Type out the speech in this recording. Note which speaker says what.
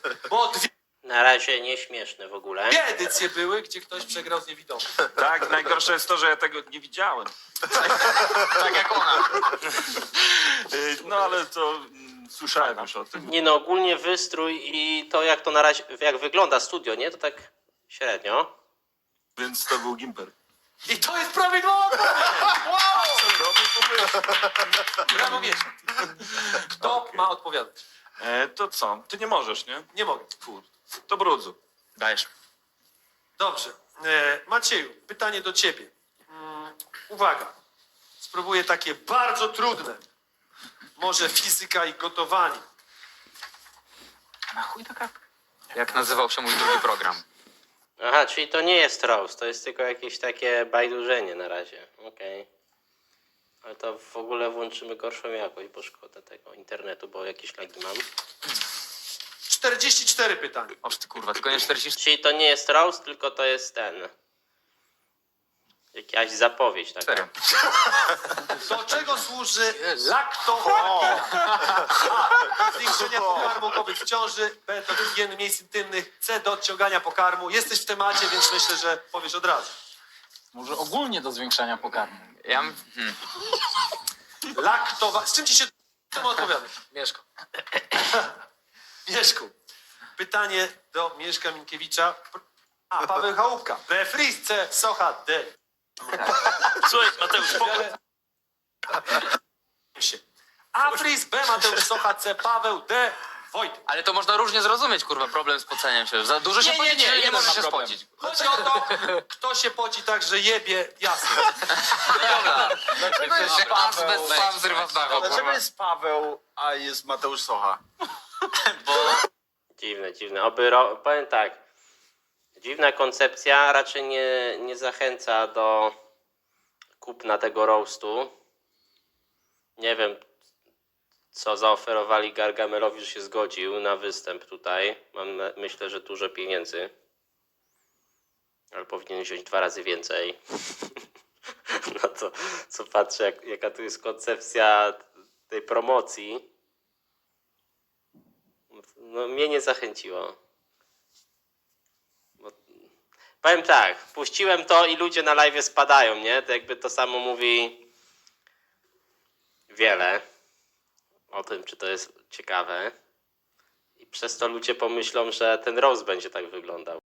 Speaker 1: Bo dwie
Speaker 2: Na razie nieśmieszne w ogóle.
Speaker 1: edycje były, gdzie ktoś przegrał z niewidomym.
Speaker 3: Tak, najgorsze jest to, że ja tego nie widziałem.
Speaker 4: Tak jak ona.
Speaker 3: No ale to słyszałem już o tym.
Speaker 2: Nie no, ogólnie wystrój i to jak to na razie, jak wygląda studio, nie? To tak średnio.
Speaker 3: Więc to był Gimper.
Speaker 1: I to jest prawidłowa odpowiedź! Brawo, Mieszko. Kto ma odpowiadać?
Speaker 3: To co? Ty nie możesz, nie?
Speaker 1: Nie mogę.
Speaker 3: Kur. To brudzu.
Speaker 4: Dajesz.
Speaker 1: Dobrze. Macieju, pytanie do ciebie. Uwaga. Spróbuję takie bardzo trudne. Może fizyka i gotowanie.
Speaker 4: Na chuj taka? Jak nazywał się mój drugi program?
Speaker 2: Aha, czyli to nie jest roast, to jest tylko jakieś takie bajdurzenie na razie. Okej. Ale to w ogóle włączymy gorszą jakość, bo szkoda tego internetu, bo jakieś lagi mam.
Speaker 1: 44 pytania.
Speaker 4: Oż ty kurwa, tylko nie 40.
Speaker 2: Czyli to nie jest roast, tylko to jest jakaś zapowiedź taka.
Speaker 4: Serio.
Speaker 1: Do czego służy laktofarmia? A. Do zwiększenia pokarmu kobiet w ciąży. B. Do higieny miejsc intymnych. C. Do odciągania pokarmu. Jesteś w temacie, więc myślę, że powiesz od razu.
Speaker 5: Może ogólnie do zwiększania pokarmu.
Speaker 4: Ja...
Speaker 1: Z czym ci się temu odpowiadasz?
Speaker 5: Mieszko.
Speaker 1: Mieszku. Pytanie do Mieszka Minkiewicza. A. Paweł Chałupka. B. Fris. C. Socha. D.
Speaker 3: Słuchaj, Mateusz,
Speaker 1: A. Fris. B. Mateusz Socha. C. Paweł. D. Wojtek.
Speaker 4: Ale to można różnie zrozumieć, kurwa, problem z poceniem się. Za dużo się pocić,
Speaker 5: nie,
Speaker 4: nie
Speaker 5: jeden
Speaker 4: może
Speaker 5: ma
Speaker 4: się
Speaker 5: problem.
Speaker 4: spocić.
Speaker 1: Chodzi o to, kto się poci tak, że jebie jasno.
Speaker 4: Dobra.
Speaker 6: Dlaczego jest
Speaker 4: Że as bez
Speaker 6: Paweł?
Speaker 4: sam zrywa z dachu,
Speaker 6: Dlaczego
Speaker 4: kurwa.
Speaker 6: jest Paweł, a jest Mateusz Socha?
Speaker 2: Dziwne. Powiem tak. Dziwna koncepcja raczej nie zachęca do kupna tego roastu. Nie wiem, co zaoferowali Gargamelowi, że się zgodził na występ tutaj. Myślę, że dużo pieniędzy. Ale powinien wziąć 2 razy więcej. No to co patrzę, jaka tu jest koncepcja tej promocji. No mnie nie zachęciło. Powiem tak, puściłem to i ludzie na live spadają, nie? To jakby to samo mówi wiele o tym, czy to jest ciekawe. I przez to ludzie pomyślą, że ten roast będzie tak wyglądał.